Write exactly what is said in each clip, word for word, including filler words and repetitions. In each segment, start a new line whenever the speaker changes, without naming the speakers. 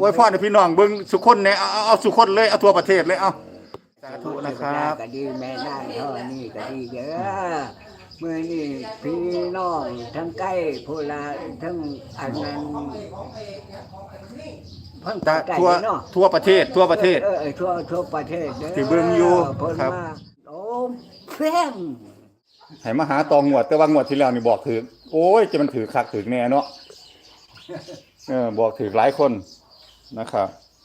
อวยพรให้พี่น้องเบิ่งสุคนเนี่ยเอาเอาเอาสุคนเลยเอาทั่วประเทศเลยเอาสาธุนะครับ
ก็ดีแม่นางเท่านี้ก็ดีเด้อเมื่อนี้พี่น้องทั้งใกล้ผู้ลาทั้งอันนั้นทั้ง
ตะ
ใกล้
ทั่ว
เนาะ
ทั่วประเทศทั่วประเทศ
เออเออทั่วทั่วประเทศเด้อ
ที่เบิ่งอยู่
เพิ่น
ครับ
มาโอ้เพ่ง
ให้มาหาตองงวดแต่ว่างวดที่แล้วนี่บอกถือโอ้ยจะมันถือคักถือแน่เนาะเออบอกถือหลายคนนะครับ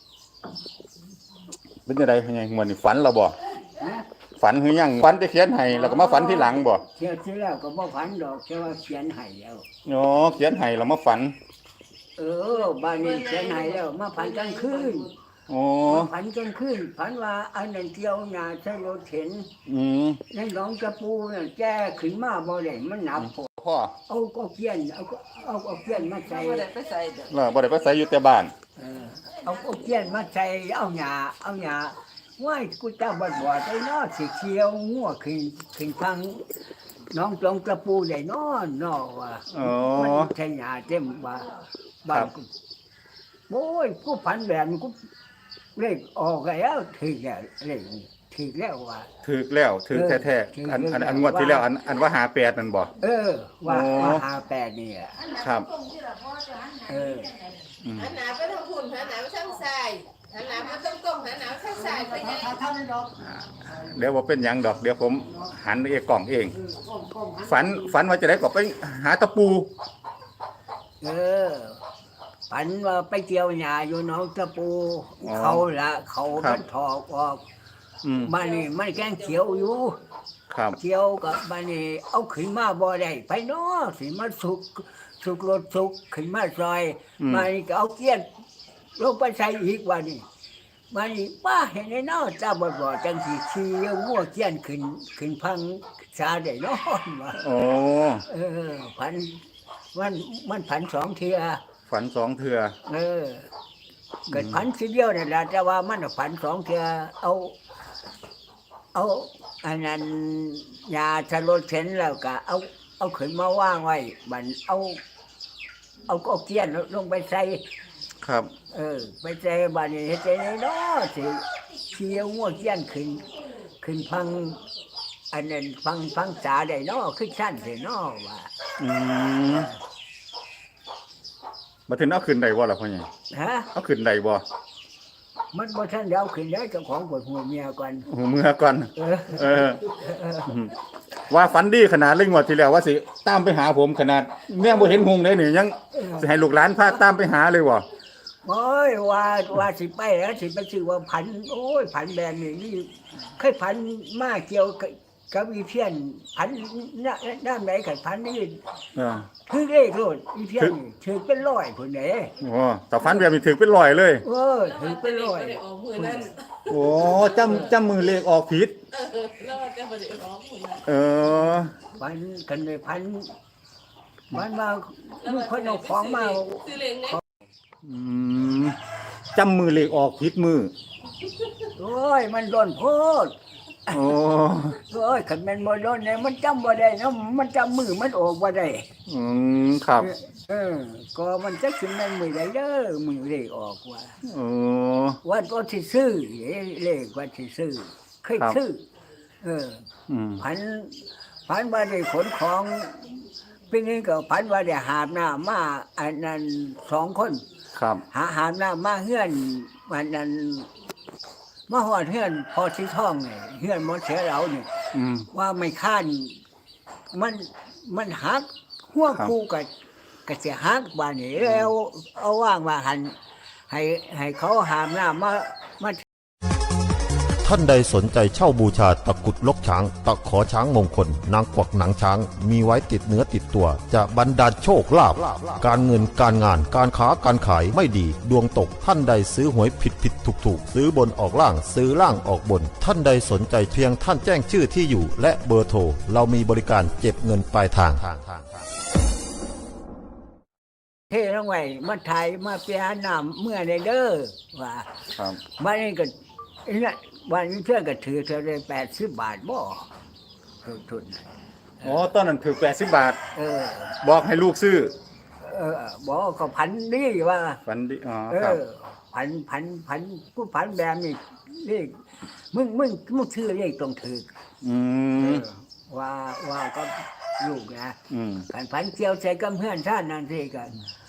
เป็นจังได๋ไงงวดนี้ฝันเราบ่
นะ
ฝันคือยังฝันจะเขียนให้แล้วก็มาฝันที่หลังบ่
เที่ยวที่แล้วก็บ่ฝันดอกแต่ว่าเขียนให้แล้ว
อ๋อเขียนให้แล้วมาฝัน
เออบ้านนี้เขียนให้แล้วมาฝันกลางคืน
อ๋อ
มาฝันกลางคืนฝันว่าอันนั้นเที่ยวหน้าใช้รถเข็น
อืม
ในหนองกระปูน่ะแจ้ขึ้นมาบ่ได้มันหนักพอ
พ่อ
เอาก็เกียนเอาก็เอาก็เกียนมาใส่
บ่ได้ไปใส่เด้อ
เราบ่ได้ไปใส่อยู่แต่บ้าน
เออเอาก็เกียนมาใส่เอาหญ้าเอาหญ้าว้ายกูจะบ่บ่ได้เนาะสิเขียวงัวขึ้นขึ้นทางหน้องตรงกระปูได้เนาะเนาะว่า
อ๋อ
มันใช่หญ้าเต็มบ้านบ้านกูโอ้ยกูฝันแบบนี้กูเลขออกแล้วถึงแล้วเลขนี้ถึงแล้วว่า
ถือแล้วถือแท้ๆอันอันอันงวดที่แล้วอันอันว่าหาแปดนั่นบ่
เออ ว่า
โอ้
ว่าหาแปดนี่อะ
ครับ
เออ
อืม
หันหน้าไปทางพุ่นหันหน้าไปทางซ้ายหันหน้ามาตรงๆหันหน้าไปทางซ้ายไปยัง
เดี๋ยวบ่เป็นหยังดอกเดี๋ยวผมหันเองกล่องเอง ฝันฝันว่าจะได้ก็ไปหาตะปู
เออฝันว่าไปเกี่ยวหญ้าอยู่หนองตะปู
อ๋อ
เขาละเขา
ครับ
มันถอกออก
อืม
บ้านนี้มันแกงเขียวอยู่
ครับ
เขียวกับบ้านนี้เอาขึ้นมาบ่ได้ไปเนาะสิมันสุกสุกรถสุกขึ้นมาซอยบ้านนี้ก็เอาเกี้ยนลงไปใส่อีกวันนี้บ้านนี้ป้าเห็นไอ้เนาะจ้าบ่บ่จังสิขี่งัวเกี้ยนขึ้นขึ้นพังชาได้เนาะว่า
โอ้
เออพันมันมันพันสองเทีย
ฝันสองเทื่อ
เออเกิดพันทีเดียวนี่นแหละแต่ว่ามันพันสองเทียเอา เอาอันนั้นยาชะลดเข็นแล้วก็เอา เอาขึ้นมาว่างไว้บันเอา เอาก็เกี้ยนลงไปใส่
ครับ
เออ ไปใส่บันนี้เฮ็ดใจเนาะสิเคียวงัวเกี้ยนขึ้น ขึ้นพัง อันนั้นฟังฟังสาได้เนาะขึ้นชั้นสิเนาะว่า
อืมบ่ถึงเอาขึ้นได้บ่ล่ะพ่อใหญ่
ฮะ
เอาขึ้นได้บ่
มันบ่ทันเดี๋ยวขึ้นได้เจ้าของปวดหัวเมียก่อน
โอ้เมื่อก่อน
เออ
เอออืมว่าฝันดีขนาดเรื่องงวดที่แล้วว่าสิตามไปหาผมขนาดแม่บ่เห็นหงเลยนี่ยังสิให้ลูกหลานพาตามไปหาเลยบ่
โอ้ยว่าว่าสิไปแล้วสิไปชื่อว่าพันโอ้ยพันแบนนี่นี่เคยพันมาเกี่ยวกับกับอีเพี้ยนพันน้าน้ำไหนกับพันนี่
เออ
คือเลขโลดอีเพี้ยนนี่ถือเป็นร้อยคนไหน
โอ้แต่ฝันแบบนี้ถึงเป็นร้อยเลย
เออถือเป็นร้อย
บ่ได้ออกมือนั่น
โอ้จำจำมือเลขออกผิด
เออแล้วแต่บ่ได้ออกมือนั่น
เออ
พันกันเลยพันมันมาลูกคนเอาของมา
ซื้อเลขไหน
อืมจำมือเลขออกผิดมือ
โอ้ยมันโดนโพด
โอ้
โอ้ยขันแมันบ่โดนเนี่ยมันจำบ่ได้เนาะมันจำมือมันออกบ่ได้
อืมครับ
เออ ก็มันจะขึ้นนั่นมือใดเด้อมือเลขออกว่า
โอ้
วันก็ที่ซื้อเลขวันที่ซื้อเคย
ครับ
ซื้อเออ
อืม
พันพันว่าได้ขนของปีนี้ก็พันว่าได้หาบน้ำมาอันนั้นสองคน
ครับ
หาหาบน้ำมาเฮือนวันนั้นมาหอดเฮือนพอสีทองเนี่ยเฮือนหมดเสียเราเนี่ย
อืม
ว่าไม่ค้านมันมันหักหัว
ครับ
คู่กับกระเสียหักบ้านนี้แล้วเอาว่างมาหันให้ให้เขาหามน้ำมามา
ท่านใดสนใจเช่าบูชาตะกรุดลกช้าง ตะขอช้างมงคล นางกวักหนังช้าง มีไว้ติดเนื้อติดตัว จะบรรดาลโชคลาภการเงินการงานการค้าการขายไม่ดี ดวงตกท่านใดซื้อหวยผิดผิดถูกถูกซื้อบนออกล่างซื้อล่างออกบน ท่านใดสนใจเพียงท่านแจ้งชื่อที่อยู่ และเบอร์โทรเรามีบริการเก็บเงินปลายทาง
เท่ลงไว้มาถ่ายมาเปียน้ำเมื่อในเด้อว่า
ครับ
บ้านนี้ก็เนี่ยวันนี้เพื่อนก็ถือเธอได้แปดสิบบาทบ่ทุนทุนน่ะ
อ๋อตอนนั้นถือแปดสิบบาท
เออ
บอกให้ลูกซื้อ
เออบอกก็พันนี่ว่า
ฝันดีอ๋อ
เอ
ครับ
อผันผันผันกูผันแบบนี้เลขมึงมึงมึงชื่อเลขตรงถือ
อื
เอ
ม
อว่าว่าก็ลูกนะ
อืม
ผันผันเกี่ยวใส่กับเพื่อนท่านนั่นสิกัน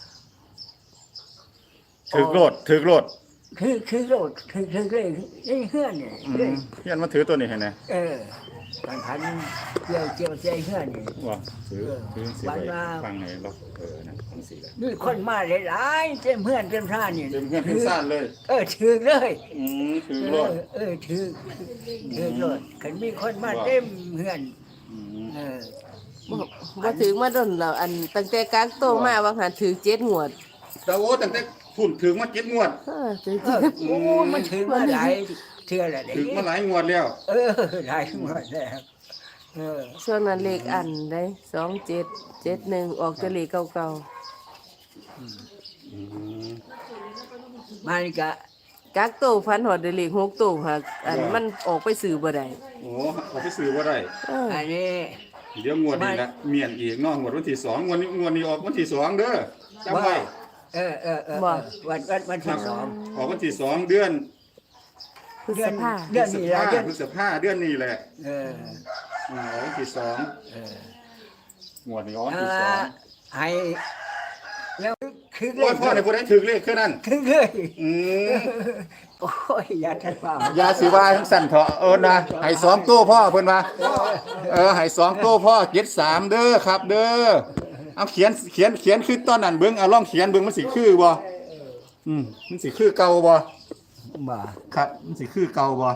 ถือโลดถือโลด
คือคือโลดคือคือเลยไอ้เพื่อนเนี่ย
อืมเฮียนมาถือตัวนี้ให้แน่
เออผันผันเกี่ยวเกี่ยวใส่เพื่อนนี่
ว่าถือถือสิ
วัน
ไว้
ว่า
ฟังให้เราเออนะจังซี่แหละ
นี่คนมาหลายๆเต็มเพื่อนเต็มท่านนี่
เต็มเพื่อนเต็มซ่านเลย
เออถือเลย
อืมถือ
เอ
โลด
อเออถือถือโลดคันมีคนมาเต็มเพื่อน
อืม
เออ
บ่บ่ถึงมาดนแล้วอันตั้งแต่กักโตมาว่าหันถือเจ็ดงวด
แต่โอ้ตั้งแต่พุ่นถึงมาเจ็ดงวด
เออถือ
เออโอ้มันถือมาหลายเทื่อแล้วเด้
ถึงมาหลายงวดแล้ว
เออหลายหมดแล้วเออ
ช่วงนั้นเลขอันได้สองเจ็ดเจ็ดหนึ่งออกจะเลขเก่า
อืม
มันก็
ๆกักโตพันหอดได้เลขหกโตค่ะอันมันออกไปสื่อบ่ได้
โอ้เขาไปซื้อบ่ได้
เออ
อันนี้
เดี๋ยวงวดนี้ละเมียนอีกเนาะงวดวันที่สองงวดนี้งวดนี้ออกวันที่สองเด้อจำไว้
เออเออเออวันวันวันที่สอง
ออกวันที่สองเดือน
พฤษภา
เดือนนี้ละเดือน
พฤษภาเดือนนี้แหละ
เออ
อ่าออกวันที่สอง
เออง
วดนี้ออกวัน
อ่า
ที่สอง
ให้แล้วคือเล
โอ้ย
ย
พ่อในผู้ใดถึกเลขแค่นั้น
คือเลย
อืม
โอ้ยอย่าทัดฟ้า
อยาสิว่าทั้งสั่นเถาะเอิ้นนะให้สองตู้พ่อเพิ่นว่าเออให้สองตู้พ่อเจ็ดสามเด้อครับเด้อเอาเขียนเขียนเขียนคือตอนนั้นเบิ่งเอาลองเขียนเบิ่งมันสิคือบ่อืมมันสิคือเก่าบ่
บ่
ครับมันสิคือเก่าบ่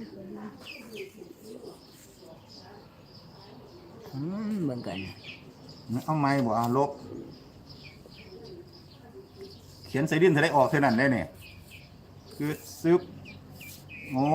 อืมเหมือนกัน
เอาไม้บ่เอาลบเขียนใส่ดินเท่าได้ออกเท่านั้นได้เนี่ยคือซึบโอ้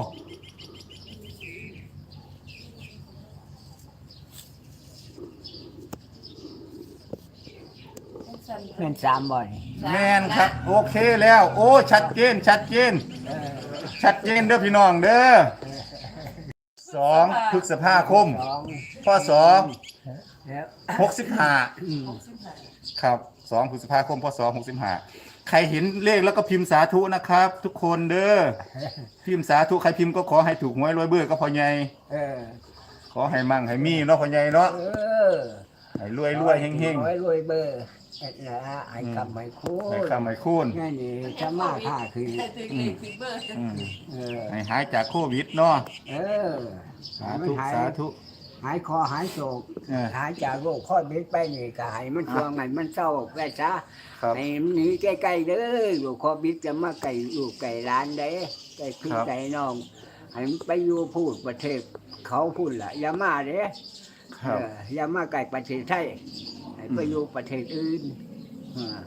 เป็นสามบ่อย
แม่นครับ โอเคแล้ว โอ้ชัดเจนชัดเจน ชัดเจนเด้อพี่น้องเด้อสองพฤษภาคม
สอง
พศ
แล้ว
หกสิบห้าครับสองพฤษภาคมพศหกสิบห้าใครเห็นเลขแล้วก็พิมพ์สาธุนะครับ ทุกคนเด้อพิมพ์สาธุใครพิมพ์ก็ขอให้ถูกหวยรวยเบื่อก็พอใหญ่
เออ
ขอให้มั่งให้มีเนาะพอใหญ่เนาะ
เออ
ให้รวยรวยเฮงเฮง
รวยรวยเบอร์เอ็ดละไอ้คำไม่คู่
ให้คำให้คูณ
นี่นี่จะมาท่าคือ
อืม
เออ
ให้หายจากโควิดเนาะ
เออ
สาธุ
หาย
สาธุ
หายคอหายโศก
เออ
หายจากโรคข้อเบ็ดไปนี่ก็ให้มันช่วงไงมันเศร้าไปซะ
ครับ
ให้มันหนีใกล้ๆเด้ออยู่ข้อบิดจะมาไก่อยู่ไก่ร้านเด้ไก่พี่
ครับ
ไก่น้องให้มันไปอยู่พูดประเทศเขาพูดละอย่ามาเด้
ครับ
เอออย่ามาไก่ประเทศไทยให้ไปอยู่ประเทศอื่นอ่า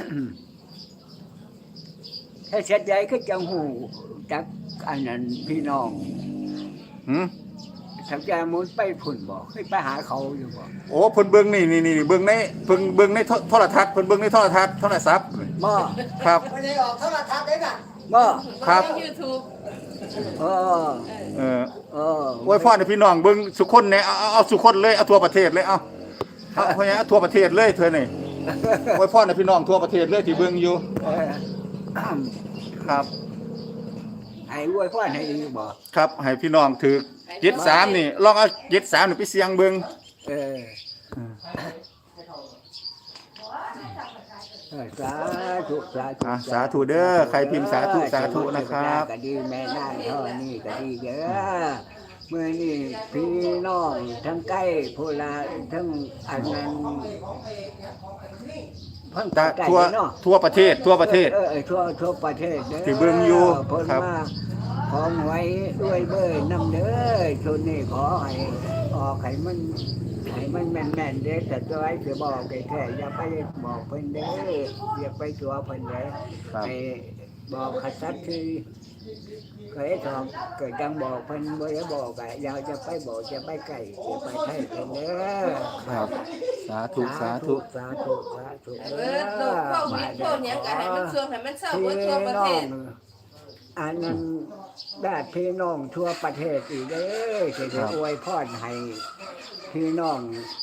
ถ้าเสร็จใหญ่ก็จังหูจากอันนั้นพี่น้อง
หืม
สักยามุนไปพุ่นบอกให้ไปหาเขาอยู่บอก
โอ้เพิ่นเบิ่งนี่นี่นี่เบิ่งในเพิ่นเบิ่งในโทโทรทัศน์เพิ่นเบิ่งในโทรทัศน์โทรศัพท์
บ่
ครับ
ไม่ได้ออกโทรทัศน์ได้น่ะบ่
ครับ
ยูทูบ
เออ
เออ
เออ
โอ้ยพ่อให้พี่น้องเบิ่งสุคนเนี่ยเอาเอาเอาสุคนเลยเอาทั่วประเทศเลยเอาเอาพ่อใหญ่เอาทั่วประเทศเลยเธอนี่โอ้ยพ่อให้พี่น้องทั่วประเทศเลยที่เบิ่งอยู่
เออ
ครับ
ให้อวยพรให้อีกบ่
ครับให้พี่น้องถือเจ็ดสามนี่ลองเอาเจ็ดสามนี่ไปเสี่ยงเบิ่ง
เออเออสาธุสาธุ
อ่ะสาธุเด้อใครพิมพ์สาธุสาธุนะครับ
ก็ดีแม่นางเท่านี้ก็ดีเด้อเมื่อนี่พี่น้องทั้งใกล้ผู้ลาทั้งอันนั้นเพิ่ง
ตา
ใกล้
ทั่ว
เนาะ
ทั่วประเทศทั่วประเทศ
เออเออทั่วทั่วประเทศเด้อ
ที่เบิ่งอยู่
เพิ่น
ครับ
มาของไว้ด้วยเบอร์นำเด้อชุดนี้ขอให้ออกให้มันให้มันแม่นๆเด้อแต่ตัวไอ้สิบอกแท้ๆอย่าไปบอกเพิ่นเด้ออย่าไปตัวเพิ่นเด้อ
ครับ
ให้บอกขสัตย์คือเคยทองเกิดจังบอกเพิ่นบ่ได้บอกอ่ะอย่าจะไปบอกจะไปไกลจะไปไทยเพิ่นเด้อ
ครับสาธุสาธุ
สาธุสาธุ
เออโลกโควิดโควิดก็ให้มันช่วงให้มันเศร้าเบิดทั่วประเทศ
อันนั้นญาติพี่น้องทั่วประเทศอีกเด้อจะได้อวยพรให้พี่น้อง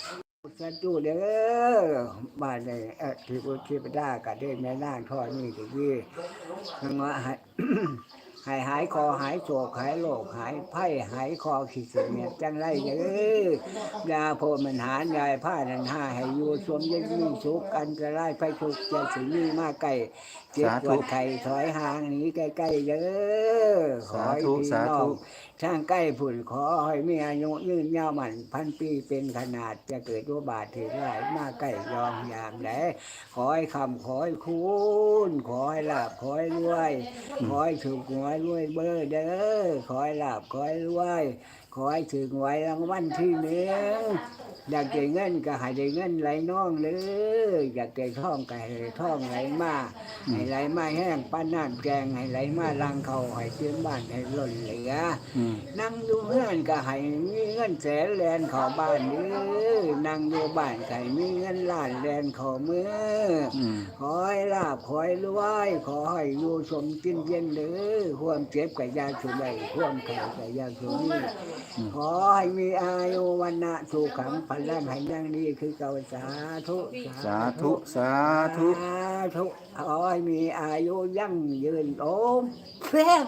สัตว์ตู้เด้อบ้านในเออที่พุทธิปดาก็ได้แม่นางทอดนี่ก็ยี่ทั้งว่าให้ ให้หายคอหายโศกหายโรคหายไข้หายคอขี้เสียเมียจังไรเด้อยาโพมันหารยายผ้านันห้าให้อยู่สวมเย็นมีสุขอันตรายไฟทุกข์จะสิมีมาไก่เจ็บปวดไข้ถอยห่างหนีใกล้ๆเด้อขอให้พี่น้องช่างใกล้ผุ่นขอให้มีอายุยืนยาวมันพันปีเป็นขนาดจะเกิดตัวบาดถึงไรมาใกล้ยอมยามแหลขอให้คำขอให้คุณขอให้ลาบขอให้รวยขอให้ถูกหวยรวยเบอร์เด้อขอให้ลาบขอให้รวยขอให้ถึงหวยรางวัลที่หนึ่งอยากได้เงินก็ให้ได้เงินไหลน้องเลยอยากได้ทองก็ให้ได้ทองไหลมาให้ไหลมาแห้งป้านน้ำแกงให้ไหลมาลังเขาให้เชื่อบ้านให้ล้นเหลือนั่งดูเพื่อนก็ให้มีเงินแสนแลนเข้าบ้านเด้อนั่งดูบ้านก็ให้มีเงินล้านแลนเข้ามือขอให้ลาบขอให้รวยขอให้อยู่สมกินเย็นเด้อความเจ็บกับยาสุใบความไข้กับยาสุนีขอให้มีอายุวันนะสุขังพลังให้ยั่งดีคือเก่าสาธุ
สาธุสาธุ
สาธุขอให้มีอายุยั่งยืนโอมเพียง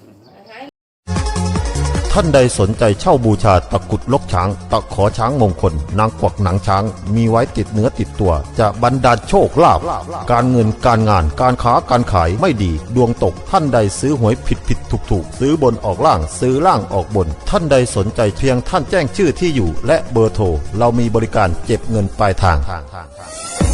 ท่านใดสนใจเช่าบูชาตะกรุดลกช้าง ตะขอช้างมงคล นางกวักหนังช้าง มีไว้ติดเนื้อติดตัว จะบรรดาลโชคลาภการเงินการงานการค้าการขายไม่ดี ดวงตกท่านใดซื้อหวยผิดผิดถูกถูกซื้อบนออกล่างซื้อล่างออกบน ท่านใดสนใจเพียงท่านแจ้งชื่อที่อยู่ และเบอร์โทรเรามีบริการเก็บเงินปลายทาง